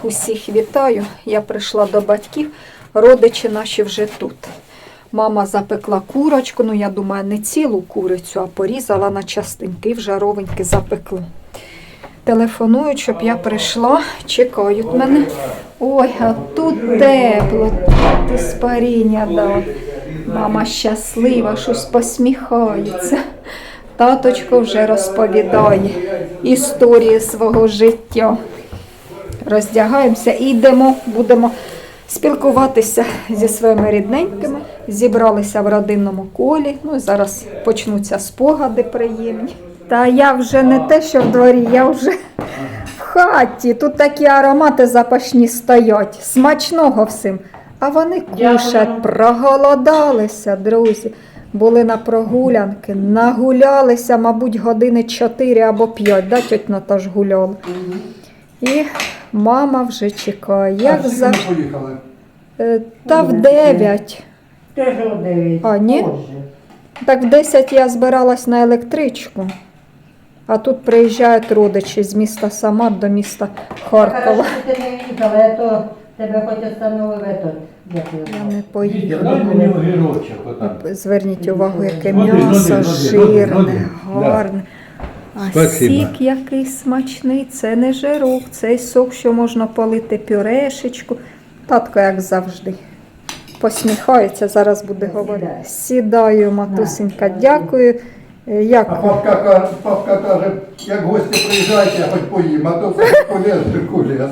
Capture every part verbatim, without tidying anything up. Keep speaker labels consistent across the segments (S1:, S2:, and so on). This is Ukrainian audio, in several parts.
S1: усіх вітаю. Я прийшла до батьків, родичі наші вже тут. Мама запекла курочку, ну я думаю, не цілу курицю, а порізала на частинки і в жаровеньки запекла. Телефонують, щоб я прийшла, чекають мене. Ой, а тут тепло, тут спаріння дав. Мама щаслива, щось посміхається. Таточко вже розповідає історії свого життя. Роздягаємося і йдемо, будемо спілкуватися зі своїми рідненькими. Зібралися в родинному колі. Ну, зараз почнуться спогади приємні. Та я вже не те, що в дворі, я вже в хаті. Тут такі аромати запашні стоять. Смачного всім. А вони кушать, проголодалися, друзі. Були на прогулянки, нагулялися, мабуть, години чотири або п'ять, да, тьоть Наташ гуляла. І мама вже чекає. Як за...
S2: поїхали?
S1: Та в дев'ять.
S3: Теж о дев'ять.
S1: А, ні? Так в десять я збиралась на електричку. А тут приїжджають родичі з міста Самар до міста Харкова.
S3: Хорошо, що ти не їхала, а то тебе хоч остановив этот. Як його
S1: Я
S3: звати?
S1: не поїду.
S2: Дай мені огірочок отам.
S1: Зверніть увагу, яке
S2: Ноги, ноги,
S1: м'ясо,
S2: ноги,
S1: жирне,
S2: ноги.
S1: гарне. А
S2: Спасибо.
S1: сік який смачний, це не жирок, цей сок, що можна полити пюрешечку. Татко, як завжди, посміхається, зараз буде говорити. Сідаю, матусенька, дякую.
S2: А
S1: Як?
S2: папка, ка- папка каже, як гості приїжджайте, я хоч поїм, а то полез, кулес.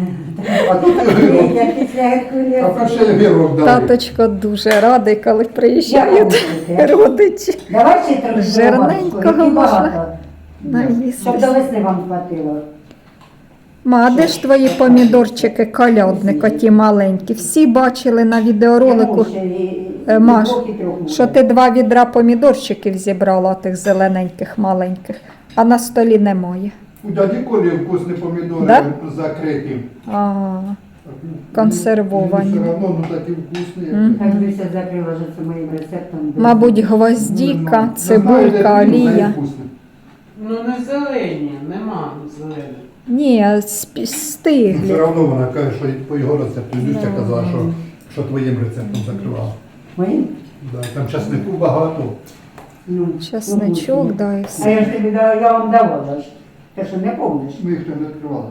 S2: А тут і огірок.
S3: Я після
S2: А
S3: Геркулеса.
S2: ще й огірок дали.
S1: Таточко дуже радий, коли приїжджають родичі.
S3: Давай ще трохи
S1: Жирненького
S3: багато,
S1: можна.
S3: багато. Щоб до
S1: Наїстися.
S3: весни вам хватило.
S1: Ма, а де ж твої помідорчики, колядники, ті маленькі? Всі бачили на відеоролику, Е, Маш, що ти два відра помідорчиків зібрала, тих зелененьких, маленьких, а на столі немає.
S2: У дяді Колі вкусні помідори
S1: Да?
S2: закриті.
S1: Ага, консервовані.
S2: Все одно, ну такі вкусні.
S1: Мгм.
S3: Так би все закрила вже це моїм рецептом.
S1: Мабуть, гвоздіка, цибулька, олія.
S4: Ну не зелені, нема зелених.
S1: Ні, сп-
S2: Все
S1: стиглі.
S2: одно вона каже, що по його рецепту. Люся казала, що, що твоїм рецептом закривала.
S3: Моїм?
S2: Да, там часнику багато.
S3: Ну,
S1: Часничок, да, і
S3: А
S1: все.
S3: я ж тобі дала, я вам давала ж. Ти що, не помниш?
S2: Ми їх там не відкривали.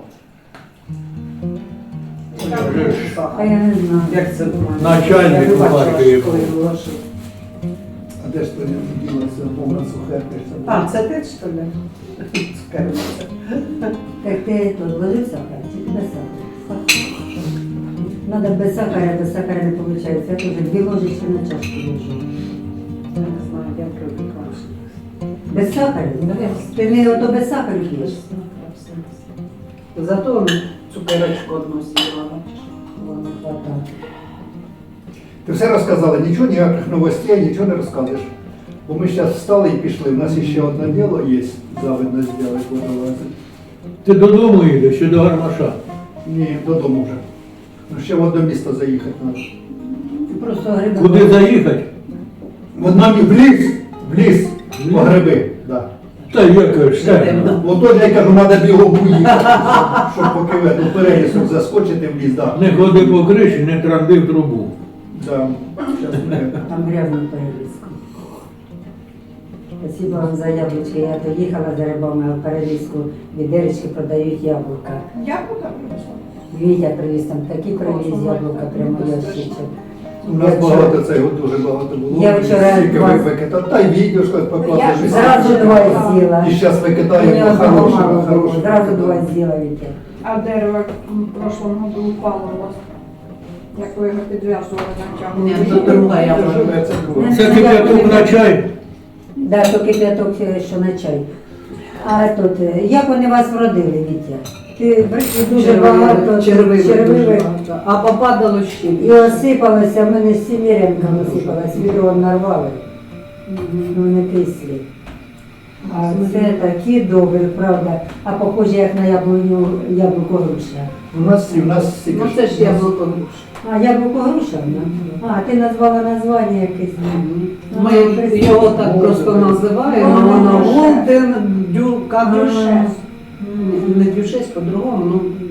S3: А я не знаю.
S4: Як це думаю?
S5: Начальник
S3: Я не бачила,
S5: Харкові
S3: коли
S5: був.
S3: вилажив.
S2: А де ж то не ділося, повна сухерка?
S4: А, це ти що ли? Цукерниця.
S3: Так ти тут ложив сахар чи без сахара? Надо без сахара, без сахара не виходить. Я теж дві ложечки на чашку ложу.
S4: Я не знаю, як робити краще.
S3: Без сахара? Ти не ото без сахару п'єш?
S4: Зато цукерочку одну з'їла.
S3: Ладно, хватає.
S2: Ти все розказала, нічого, ніяких новостей, нічого не розказуєш. Бо ми зараз встали і пішли. У нас ще одне діло є, завидно зробити, водолазити.
S5: Ти додому їдеш чи до гармаша?
S2: Ні, додому вже. Ну ще в одне місто заїхати треба.
S3: Ти просто гриби.
S5: Куди заїхати?
S2: В одному в ліс, в ліс, по гриби, да.
S5: Та яке ж це?
S2: Ото я кажу, треба бігом уїхати, щоб поки в эту перелісок заскочити в ліс, да.
S5: Не ходи по криші, не транди в трубу.
S2: Да. Щас ми...
S3: Там грязно перелізку. Спасибо вам за яблучки. Я то їхала за рибами, а в перелізку відеречки продають яблука.
S4: Яблука принесла?
S3: Вітя привіз там такі привіз яблука, прямо ящичок.
S2: У нас багато цього, дуже багато було.
S3: Я вчора
S2: Скільки
S3: два-
S2: ви викидали. Та й відео щось покладеш. і
S3: Зразу
S2: все.
S3: два з'їла.
S2: І зараз
S3: Мені
S2: викидаємо
S3: одного
S2: хорошого,
S3: мало було,
S2: хорошого.
S3: зразу два з'їла Вітя.
S6: А дерево в прошлом году упало у вас. Як ви його підв'язували на
S4: Ні,
S6: тягу?
S4: то друга
S2: Це
S4: яблука.
S2: живе, це друге.
S5: Це кип'яток на чай.
S3: Да, то кип'яток, що на чай. А тут, е, як вони вас вродили, Вітя? Ти дуже багато
S4: червивих дуже
S3: червивих.
S4: багато. А попадало ще.
S3: І осипалося, в мене з сімірянками осипалось, відро нарвали. Вони кислі. А це такі добрі, правда. А похоже, як на яблуню, яблуко груша.
S2: У нас, і в нас стільки
S4: Ну
S2: ж-
S4: це ж яблуко груш.
S3: А, яблуко груша? А, ти назвала названня якесь.
S4: Ми його так просто називаємо, воно Голден Дюка груша. Не дюшесь по-другому, ну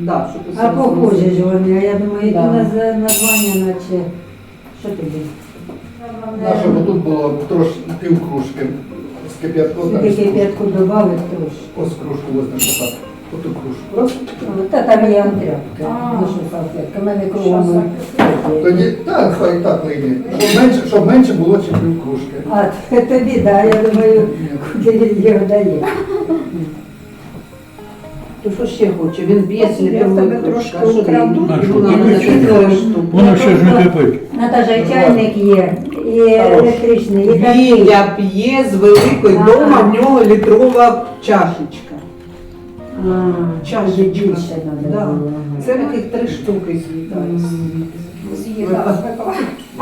S4: Да, щоб усе
S3: А похожі
S4: розуміти.
S3: ж вони, а я думаю,
S4: Да.
S3: які на за- названня, наче. Що тобі?
S2: Наше бо тут було трошки пів кружки з кип'ятком. там,
S3: Тільки п'ятку додали трошки.
S2: Ось кружку возьмемо так. Оту кружку. Раз.
S3: Та там є антряпка,
S6: А.
S3: ну що салфетка, в мене кругом.
S2: Тоді, так, хай так лине. Щоб менше, щоб менше було, ніж пів кружки.
S3: А, тобі, да, я думаю, куди він його дає.
S4: То що ще хоче? Він б'є
S6: Я в
S4: літровою
S6: тебе
S4: кружкою.
S6: трошки
S4: А що ти?
S6: украду.
S5: А що,
S4: Йому надо
S5: кипить?
S4: чотири штуки.
S5: Воно ще ж не кипить.
S3: Наташа, і чайник є, і електричний, і такий.
S4: Віля п'є з великої,
S3: Ага.
S4: дома в нього літрова чашечка.
S3: А,
S4: Чашечка.
S3: ще більше треба
S4: Да.
S3: було. ага.
S4: Це таких три штуки з'їдає.
S6: З'їла, випила.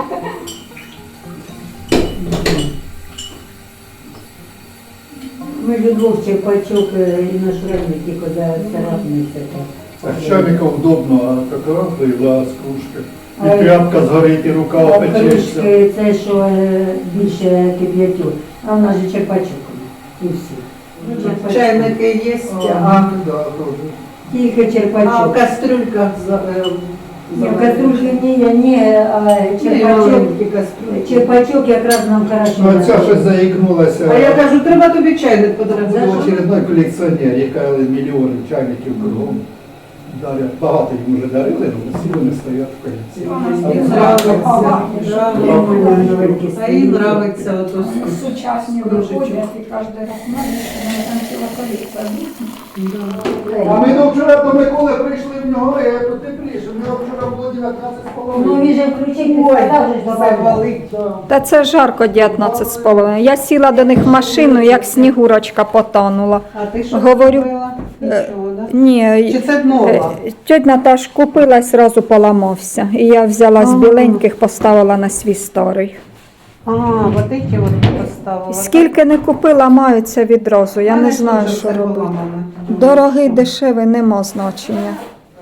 S3: Ми Любов Черпачок е, і наш родник, тільки за царапниця.
S2: Так, чайника удобно, а така пила з кружки.
S3: А
S2: І тряпка згорить, і рука
S3: А
S2: опечеться.
S3: кружки це, що е, більше кип'ятю, а в нас же Черпачок. І всі. Черпачок.
S4: Чайники є,
S2: А,
S4: а,
S2: да, добре.
S3: Тільки
S4: а в
S3: Черпачок.
S4: кастрюльках за, е,
S3: Ні, в
S4: за-
S3: кастрюльки ні, ні, а
S4: Ні,
S3: Черпачок.
S4: маленькі кастрюльки.
S3: Черпачок якраз нам хорошо.
S2: Ну, а ця
S3: дає.
S2: щось заікнулася.
S4: А я кажу, треба тобі чайник
S2: Це
S4: подарувати.
S2: очередной колекціонер, яка мільйони чайників кругом. Дарять. Багато їм вже дарили, але всі вони стоять в колекції.
S4: Їй
S2: А
S4: нравиться.
S3: Нравиться.
S4: А їй нравиться ото
S6: Сучасні
S4: кружечок.
S6: виходять і кожен раз знаєш, що вони там ціла колекція.
S2: А ми до вчора до Миколи прийшли в нього, я тут тепліше. У нього вчора було дев'ятнадцять з
S3: Ну
S2: половиною.
S3: він же включив, ти сказав, же ж добавив.
S4: завалить.
S1: Та це жарко дев'ятнадцять з половиною. Я сіла до них в машину, як снігурочка потонула.
S4: А ти що
S1: Говорю,
S4: купила? Нічого, да?
S1: Ні,
S4: Чи це нова?
S1: тьоть Наташ купила і одразу поламався. І я взяла з біленьких, поставила на свій старий.
S4: А, вот эти от поставила.
S1: Скільки не купила, маються відразу. Я
S4: Мене
S1: не знаю,
S4: теж
S1: що
S4: все
S1: робити.
S4: поламане.
S1: Дорогий, дешевий, нема значення.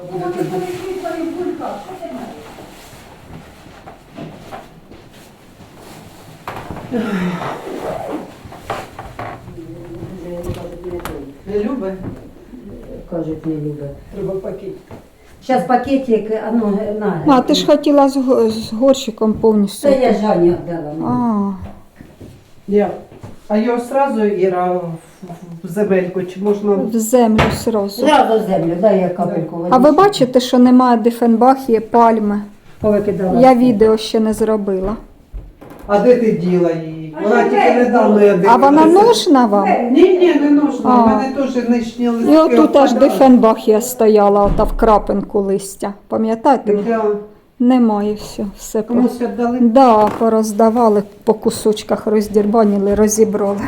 S4: Не любить?
S3: Кажуть, не любить. Треба пакет. Зараз пакетик, а ну, на.
S1: А, ти ж хотіла з, го- з горщиком повністю.
S3: Це я Жані віддала.
S1: А,
S4: Я. А його сразу, Іра, в в земельку, чи можна?
S1: в землю сразу.
S3: Зразу в землю, дай я капельку.
S1: А ви бачите, що немає дифенбахії, пальми?
S3: Повикидала.
S1: Я відео ще не зробила.
S4: А де ти діла її? Вона тільки недавно я
S1: А вона
S4: дивилася.
S1: нужна вам?
S4: Ні, ні, не нужно.
S1: А.
S4: У мене теж нижні листки.
S1: І отут аж
S4: опадають.
S1: дифенбахія стояла, ота в крапинку листя. Пам'ятаєте?
S4: Да.
S1: Немає все. все по...
S4: Комусь віддали?
S1: Да, пороздавали, по кусочках роздірбанили, розібрали.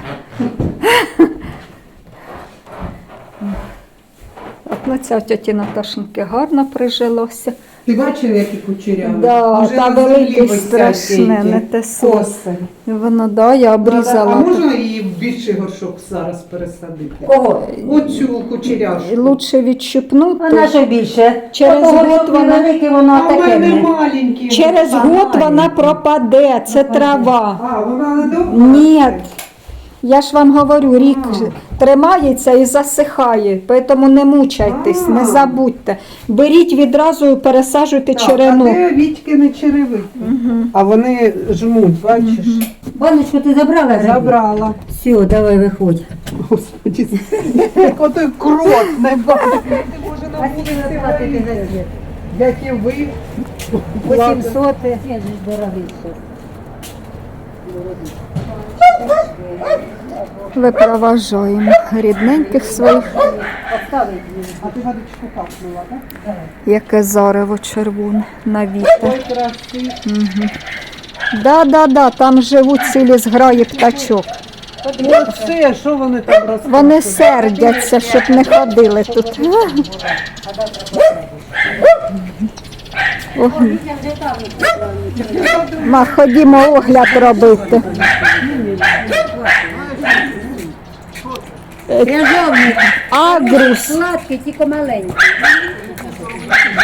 S1: От на ця в тьоті Наташеньки гарно прижилося.
S4: Ти бачив, які кучеряві?
S1: Да,
S4: Уже
S1: та
S4: на землі
S1: велике
S4: висять
S1: страшне,
S4: ті
S1: не те слово.
S4: коси.
S1: Воно, да, я
S4: А
S1: обрізала.
S4: можна її в більший горшок зараз пересадити?
S3: Кого?
S4: Оцю кучеряшку.
S1: Лучше
S3: А
S1: відщипнути.
S3: на що більше?
S1: Через
S3: Отого,
S1: год
S3: що
S1: вона-
S3: велике, воно
S4: А в
S3: таке.
S4: мене
S3: не.
S4: маленькі.
S1: Через
S3: А,
S1: год
S3: маленька.
S1: вона пропаде, це трава.
S4: А, вона не довго?
S1: Ні, я ж вам говорю, рік тримається і засихає, тому не мучайтесь,
S4: А.
S1: не забудьте. Беріть відразу і пересаджуйте
S4: Так,
S1: черену.
S4: А де Вітьки не черевики? А вони жмуть, бачиш?
S3: Баночку ти забрала? Забрала.
S4: Забрала.
S3: Все, давай виходь.
S4: Господи, як отой крот не бачиш.
S3: А скільки ви платите за світ?
S4: Як і ви.
S3: вісімсот. Я ж дорогий все.
S1: Випроважаємо рідненьких своїх,
S3: Поставить мені.
S4: А ти водичку капнула, так?
S1: яке зарево червоне на вітер.
S4: Ой, красивий.
S1: Да, да, да, там живуть цілі зграї птачок.
S4: Оце, що вони там розказують?
S1: Вони сердяться, щоб не ходили тут. О, ма, ходімо огляд робити.
S3: Кряжовник.
S1: Агрус
S3: Сладкий, тільки маленький.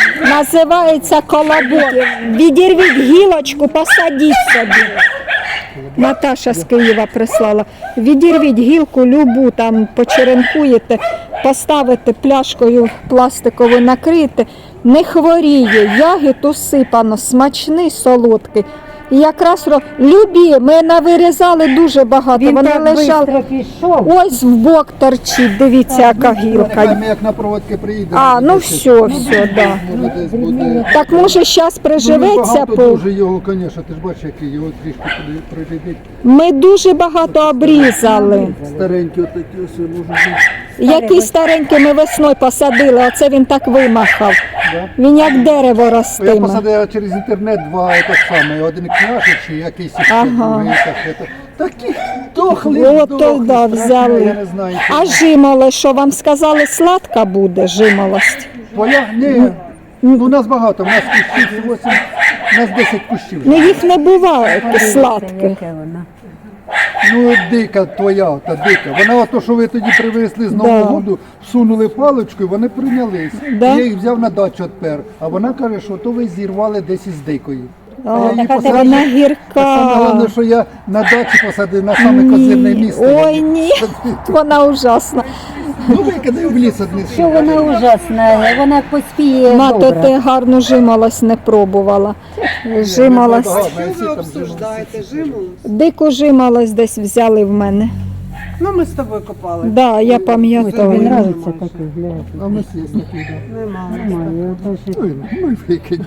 S1: називається колобок. Відірвіть гілочку, посадіть собі. Наташа з Києва прислала. Відірвіть гілку любу, там почеренкуєте, поставите пляшкою пластикову, накрите. Не хворіє, ягід усипано, смачний, солодкий. І якраз ро- любі, ми навирізали дуже багато.
S3: Він
S1: Вони
S3: так
S1: лежали.
S3: швидко пішов.
S1: Ось в бок торчить, дивіться, яка гілка.
S2: Ми як на проводки приїдемо.
S1: А, ну все, все, да.
S2: Може десь буде.
S1: Так може зараз приживеться.
S2: Ну,
S1: По...
S2: дуже його, звісно, ти ж бачиш, який його трішки прилетить.
S1: Ми дуже багато обрізали.
S2: Старенькі отакі ось може бути.
S1: Який старенький ми весною посадили, оце він так вимахав.
S2: Да?
S1: Він як дерево
S2: Я
S1: ростиме.
S2: посадив через інтернет два так само, один княжич і якийсь ще
S1: Ага.
S2: другий. так, це. Такі дохли,
S1: От
S2: дохли,
S1: то да,
S2: страшне,
S1: взяли.
S2: Я не знаю.
S1: А жимолость, що вам сказали, сладка буде жимолость?
S2: Твоя? Ні. Ну, у нас багато, у нас кущів вісім, у нас десять кущів.
S1: Ну їх не буває сладких.
S3: Яке вона?
S2: Ну, дика твоя, та дика. Вона ото, що ви тоді привезли з Нового
S1: Да.
S2: году, всунули паличку, і вони прийнялись.
S1: Да.
S2: Я їх взяв на дачу тепер. А вона каже, що то ви зірвали десь із дикої.
S1: О,
S2: я її
S1: така
S2: посадив.
S1: вона
S2: Саме
S1: гірка.
S2: головне, що я на дачі посадив на саме козирне
S1: Ні.
S2: місце.
S1: Ой, ні, вона ужасна.
S2: Ну, викидай в ліс одне.
S3: Що вона ужасна, вона поспіє
S1: Мато,
S3: добре.
S1: ти гарну жимолость не пробувала. Жимолость.
S2: Що
S4: Що ви обсуждаєте? Жиму?
S1: Дику жимолость десь взяли в мене.
S4: Ну ми з тобою копали.
S1: Да, я
S3: Тобі
S1: пам'ятаю.
S3: нравиться такий, глянь.
S2: А ми є такий, да.
S4: Нема.
S3: Нормально, ото ж
S2: Ой, ну і викинь.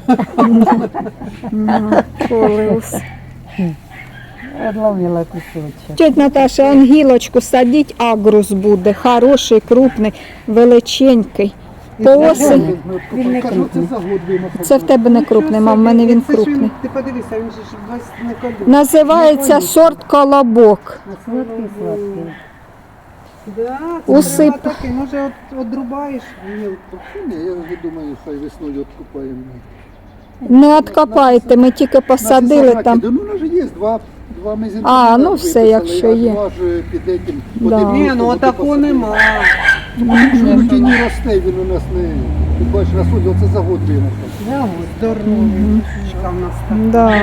S1: Колеус.
S3: одломила кусочок.
S1: Тетя Наташа, ангілочку садіть, агрус буде. Хороший, крупний, величенький. По осені.
S3: Він не
S2: Кажу, це за год вимахав.
S1: Це в тебе не крупний, мам, в мене він
S4: Це ж
S1: крупний.
S4: Ти подивися, він же ж весь не колюк.
S1: Називається сорт колобок.
S3: Сладкий, сладкий.
S4: Да,
S1: Усип.
S4: це треба такий, може от, одрубаєш гілку.
S2: Ні, я вже думаю, хай весною откупаємо.
S1: Не откопайте, ми тільки посадили
S2: На
S1: там.
S2: соснаки, ну, у нас же є два, два мезенці.
S1: А, ну все, якщо є.
S2: Два ж під этим.
S1: Да.
S2: один
S4: Ні,
S2: рік
S4: ну
S2: буде
S4: отаку
S2: посадити.
S4: нема.
S2: Що на тіні росте, він у нас не... Ти бачиш, розсудь, оце за год вимахав.
S4: Здоровий. Чка в нас так.
S1: Да.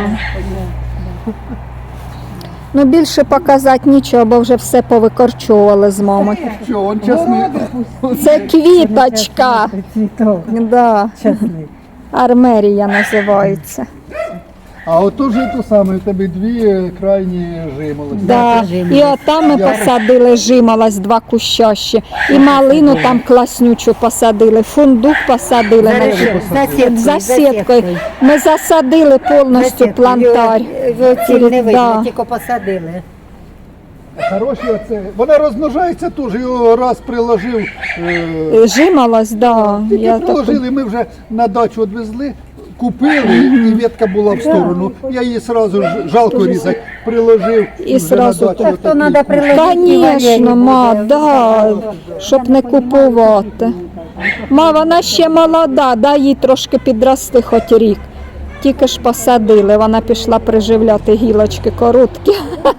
S1: Ну більше показати нічого, бо вже все повикорчовували з мамою.
S2: Що, он чесний.
S1: Це квіточка.
S3: Цвіток
S1: Да.
S3: чесний.
S1: Армерія називається.
S2: А ото ж то саме, у тебе дві е, крайні жимолості.
S1: Да. І отам ми
S2: Я-
S1: посадили жимолость, два куща ще. І малину там класнючу посадили, фундук посадили.
S3: За сіткою,
S1: За сіткою. Ми засадили повністю плантар.
S3: Ціль не видно,
S1: Да.
S3: тільки посадили.
S2: Хороші оце. Вона розмножається теж, його раз приложив. Е,
S1: Жимолость, да.
S2: Тільки
S1: Я так...
S2: приложили, ми вже на дачу відвезли, купили, і ветка була в сторону. Я її одразу жалко різати, приложив
S1: І
S2: вже
S1: сразу
S2: на дачу.
S1: так.
S3: То
S2: отакий.
S3: треба приложити.
S1: Звісно, ма, да, щоб не купувати. Ма, вона ще молода, дай їй трошки підрости хоч рік. Тільки ж посадили, вона пішла приживляти гілочки короткі.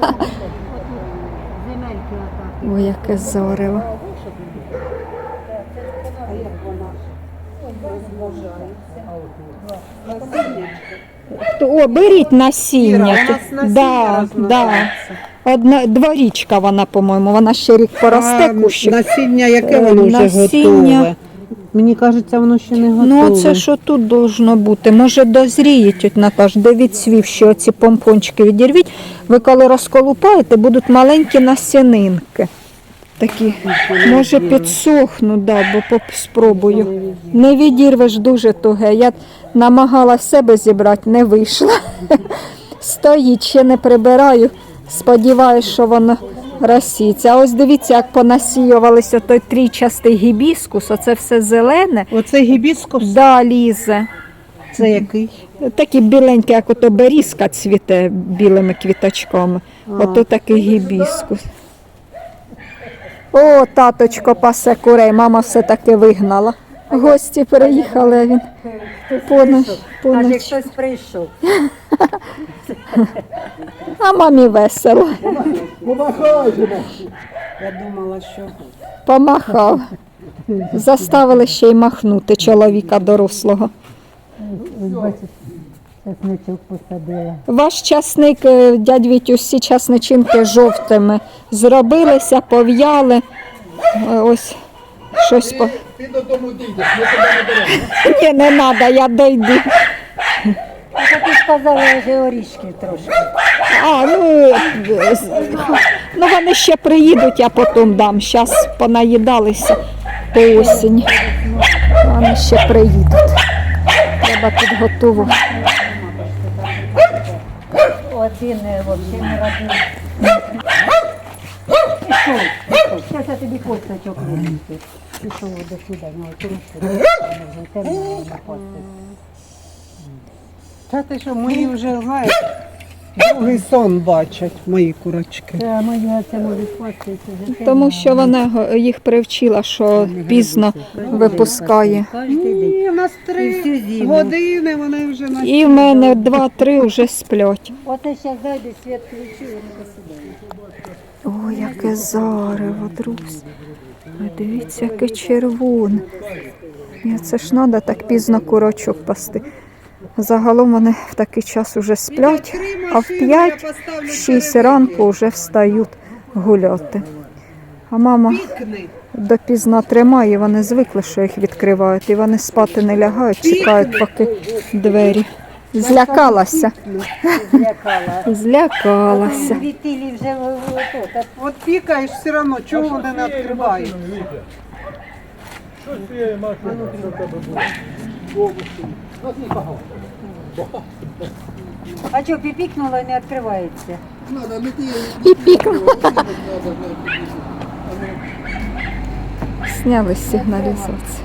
S1: Ой, яке зорево. О, беріть
S4: Іра,
S1: насіння.
S4: у нас
S1: тут.
S4: насіння
S1: Да, да.
S4: розмножається.
S1: Одна дворічка вона, по-моєму, вона ще рік поросте
S4: А,
S1: кущик.
S4: насіння, яке
S1: Е,
S4: воно вже
S1: насіння.
S4: готове? Мені кажеться, воно ще не готове.
S1: Ну, це що тут должно бути? Може дозріє, тьоть Наташ, де відсвів, що оці помпончики відірвіть. Ви коли розколупаєте, будуть маленькі насінинки. Такі, може підсохнуть, да, бо поп- спробую. Не відірвеш дуже туге. Я намагалась себе зібрати, не вийшло. Стоїть, ще не прибираю. Сподіваюсь, що воно розсіється. А ось дивіться, як понасіювалися той трійчастий гібіскус, оце все зелене.
S4: Оце гібіскус?
S1: Да, лізе.
S4: Це який?
S1: Такі біленькі, як ото берізка цвіте білими квіточками. Ото такий гібіскус. О, таточко пасе курей, мама все-таки вигнала. Гості приїхали, а він поноч.
S3: Аж
S1: поноч.
S3: як хтось прийшов.
S1: А мамі весело.
S2: Помахай же нам.
S4: Я думала, що...
S1: Помахав. Заставили ще й махнути чоловіка дорослого.
S3: Ось бачиш, чесничок посадила.
S1: Ваш часник, е, дядь Вітю, всі часничинки жовтими зробилися, пов'яли. Е, Ось щось по.
S2: Ти додому дійдеш, ми тебе не беремо.
S1: Ні, не треба, я дойду.
S3: А то ти сказала вже орішків трошки.
S1: А, ну, е, з- ну вони ще приїдуть, я потім дам. Зараз понаїдалися по осінь. Вони ще приїдуть. Треба підготувати.
S3: Один е, взагалі не родний. Пішов, пішов. Зараз я тобі косточок винесу. Пішов до сюди, ну, тому що вони вже темно на кости.
S4: Та ти що, мої вже, знаєш, другий сон бачать, мої курочки.
S3: Це мої це можуть пастися вже темно.
S1: Тому що вона го- їх привчила, що пізно випускає.
S3: Кожен день.
S4: Ні, у нас
S3: І
S4: три
S3: всю зиму.
S4: години, вони вже на
S1: І в мене два-три вже сплять.
S3: Оце зараз зайде, світ включив, вони посідають.
S1: Ой, яке зарево, друзі. Ви дивіться, яке червоне. Ні, це ж треба так пізно курочок пасти. Загалом вони в такий час уже сплять, а в п'ять-шість ранку вже встають гуляти. А мама
S4: Пікни.
S1: допізно тримає, вони звикли, що їх відкривають, і вони спати не лягають, чекають, поки двері. Злякалася,
S3: Злякала.
S1: злякалася.
S3: Вітилі вже ото, так
S4: От пікаєш все одно, чого вони не відкривають?
S3: а що, піпікнуло і не відкривається?
S2: Надо, не ти.
S1: І пікнула. Сняли з сигналізації.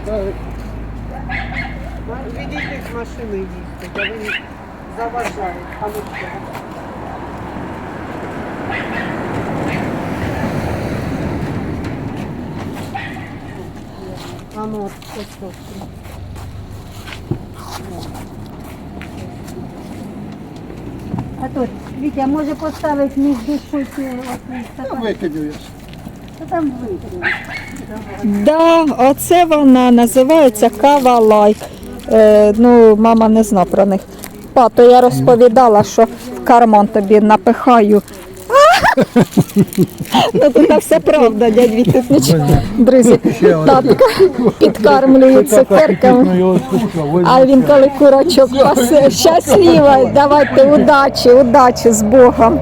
S4: Відійди з машини їсти, а вони заважають. А ну що? А ну, от, ось тут.
S3: А тут, Вітя, може поставити між душою ці
S2: Та викидю я.
S3: Та там викинуть.
S1: Да, оце вона називається кава лайк. Е, ну, мама не зна про них. Па, то я розповідала, що в карман тобі напихаю. Ну, тут все правда, дядь Віть, тут нічого. Друзі, татка підкармлює цукерками. А він коли курочок пасе, щаслива, давайте удачі, удачі з Богом.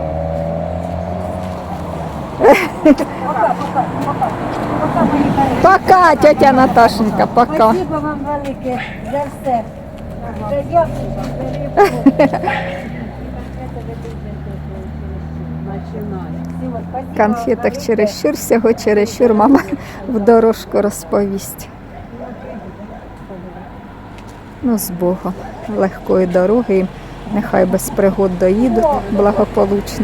S1: Пока, тетя Наташенька, пока.
S3: Спасибо вам велике за все. За дякую, за рибку.
S4: Починай.
S1: Конфеток чересчур, всього чересчур мама в дорожку розповість. Ну, з Богом, легкої дороги їм, нехай без пригод доїдуть благополучно.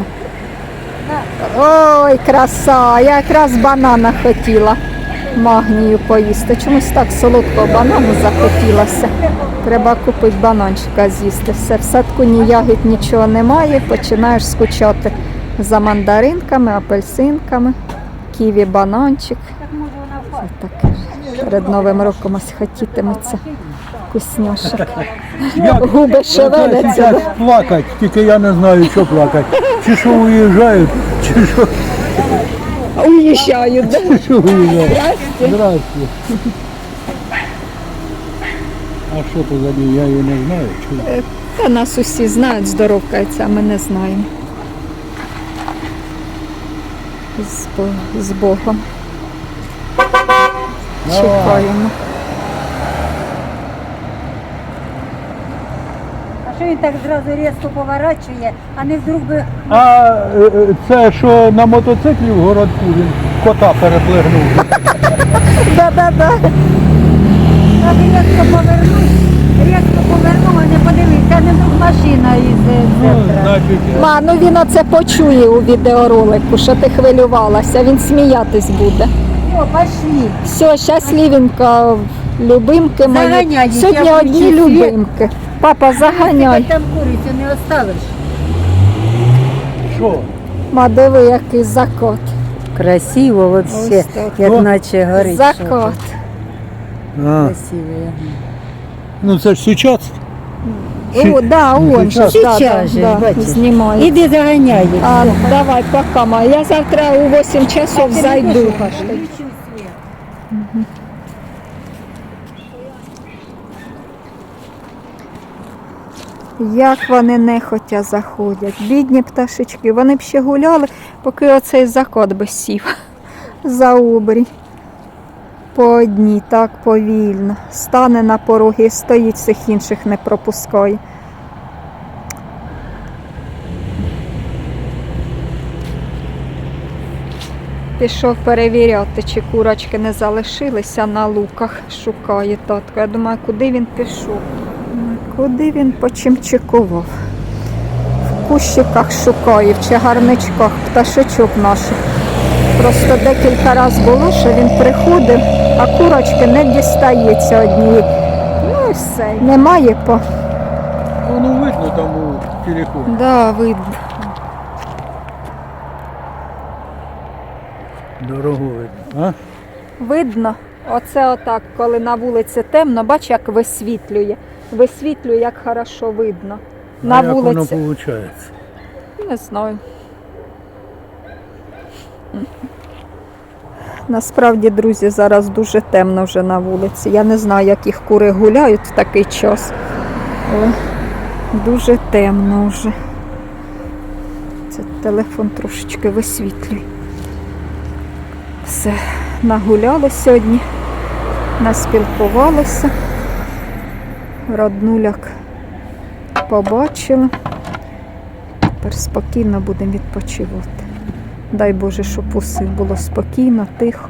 S1: Ой, краса, я якраз банана хотіла магнію поїсти. Чомусь так солодкого банану захотілося. Треба купити бананчика з'їсти. Все, в садку ні ягід, нічого немає, починаєш скучати за мандаринками, апельсинками, ківі, бананчик.
S3: Так може вона впаде.
S1: Таке ж. Перед Новим роком ось хотітиметься вкусняшок.
S5: Як
S1: Губи шевеляться.
S5: зараз плакать, тільки я не знаю, що плакати. Чи що уїжджають, чи що,
S1: Уїжджають. да?
S5: чи що уїжджають. Здрасте. А що то за ній, я її не знаю. Чи...
S1: Та нас усі знають, здоровкаються, а ми не знаємо. З, Бо- з Богом. Чекаємо.
S3: А що він так зразу різко поворачує, а не вдруг би
S5: А е, е, це що на мотоциклі в городку він кота переплигнув.
S1: Да-да-да.
S3: так різко повернув, різко повернув, а не подивився, а не вдруг машина із е,
S5: Ну,
S3: центра.
S5: значить,
S1: Ма, ну він оце почує у відеоролику, що ти хвилювалася, він сміятись буде.
S3: О, пошли.
S1: Все, щасливенько, любимки мої.
S3: Заганяй їх,
S1: Сьогодні
S3: я
S1: одні
S3: включу світ.
S1: любимки. Папа, заганяй.
S3: Ти там курицю не оставиш.
S5: що?
S1: Ма, диви, який закот.
S3: Красиво вообще,
S1: Ось так.
S3: як
S5: О,
S3: наче горить.
S1: Закот.
S5: А,
S3: Красиво.
S5: ну це ж сучасне.
S1: О, да, он же,
S3: Сейчас
S1: да, да,
S3: же,
S1: да,
S3: бачиш.
S1: знімає.
S3: Іди заганяй їх.
S1: А, давай, пока, ма. Я завтра у восемь часов зайду. Як вони нехотя заходять, бідні пташечки, вони б ще гуляли, поки оцей закот би сів за обрій. По одній, так повільно. Стане на порогі і стоїть, всіх інших не пропускає. Пішов перевіряти, чи курочки не залишилися на луках, шукає татко. Я думаю, куди він пішов? Куди він почимчикував? В кущиках шукає, в чагарничках пташечок наших. Просто декілька разів було, що він приходив, а курочки не дістається однієї. Ну і все. Немає по.
S5: Воно видно там у телефоні.
S1: Да, видно.
S5: Дорогу видно. А?
S1: Видно. Оце отак, коли на вулиці темно, бач, як висвітлює. Висвітлює, як хорошо видно. На
S5: а як воно
S1: вулиці.
S5: виходить?
S1: Не знаю. Насправді, друзі, зараз дуже темно вже на вулиці. Я не знаю, як їх кури гуляють в такий час. Але дуже темно вже. Це телефон трошечки висвітлює. Все, нагуляли сьогодні, наспілкувалися. Роднуляк побачили. Тепер спокійно будемо відпочивати. Дай Боже, щоб усе було спокійно, тихо.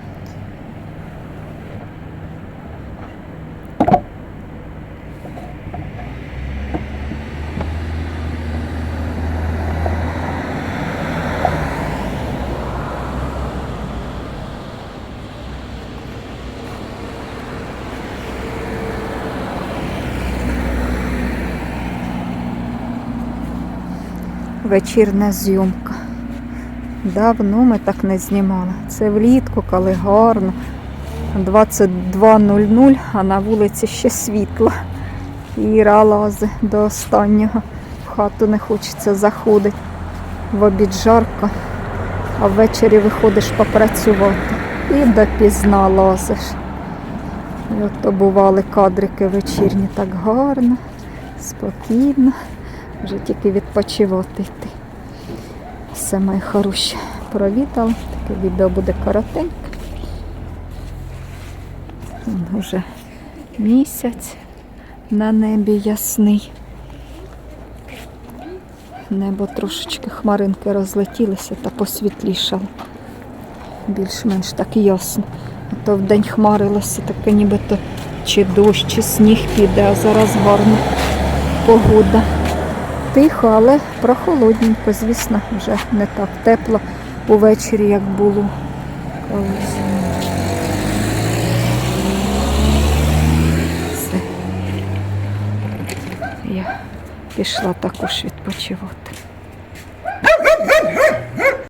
S1: Вечірня зйомка. Давно ми так не знімали. Це влітку, коли гарно. двадцять два нуль нуль, а на вулиці ще світло. Іра лазить до останнього. В хату не хочеться заходити. В обід жарко, а ввечері виходиш попрацювати. І допізна лазиш. І от то бували кадрики вечірні так гарно, спокійно. Вже тільки відпочивати йти. Все, мої хороші, провідали. Таке відео буде коротеньке. Уже місяць на небі ясний. Небо трошечки хмаринки розлетілися та посвітлішало. Більш-менш так ясно. А то вдень хмарилося, таке нібито чи дощ, чи сніг піде, а зараз гарна погода. Тихо, але прохолодненько, звісно, вже не так тепло увечері, як було колись. Все. Я пішла також відпочивати.